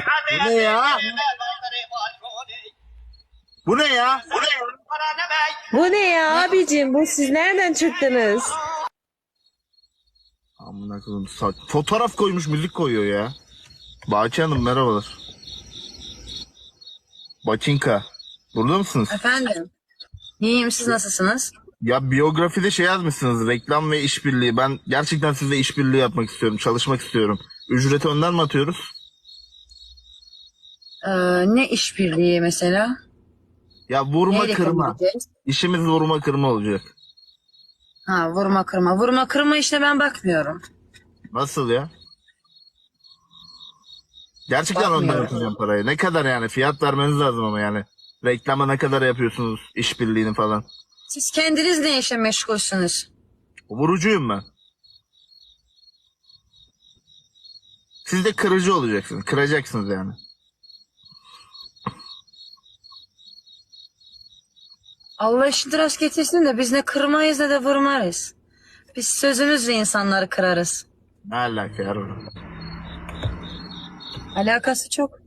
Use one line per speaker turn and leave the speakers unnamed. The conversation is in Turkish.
Bu ne ya? Bu ne ya?
Bu ne ya abicim? Bu siz nereden çıktınız?
Amına koyayım. Fotoğraf koymuş, müzik koyuyor ya. Baki Hanım merhabalar. Bakinka. Burada mısınız?
Efendim. İyiyim, siz nasılsınız?
Ya biyografide şey yazmışsınız. Reklam ve işbirliği. Ben gerçekten sizle işbirliği yapmak istiyorum. Çalışmak istiyorum. Ücreti önden mi atıyoruz?
Ne işbirliği mesela?
Ya vurma
Neyle
kırma.
kabul edeceğiz?
İşimiz vurma kırma olacak.
Ha, vurma kırma. Vurma kırma işte ben bakmıyorum.
Nasıl ya? Gerçekten önden
Bakmıyorum.
atacağım parayı. Ne kadar yani? Fiyat vermeniz lazım ama yani. Reklama ne kadar yapıyorsunuz? İşbirliğini falan.
Siz kendiniz ne işe meşgulsünüz?
Vurucuyum ben. Siz de kırıcı olacaksınız. Kıracaksınız yani.
Allah işini rast getirsin de biz ne kırmayız ne de vurmayız. Biz sözümüzle insanları kırarız.
Ne alaka ya?
Alakası çok.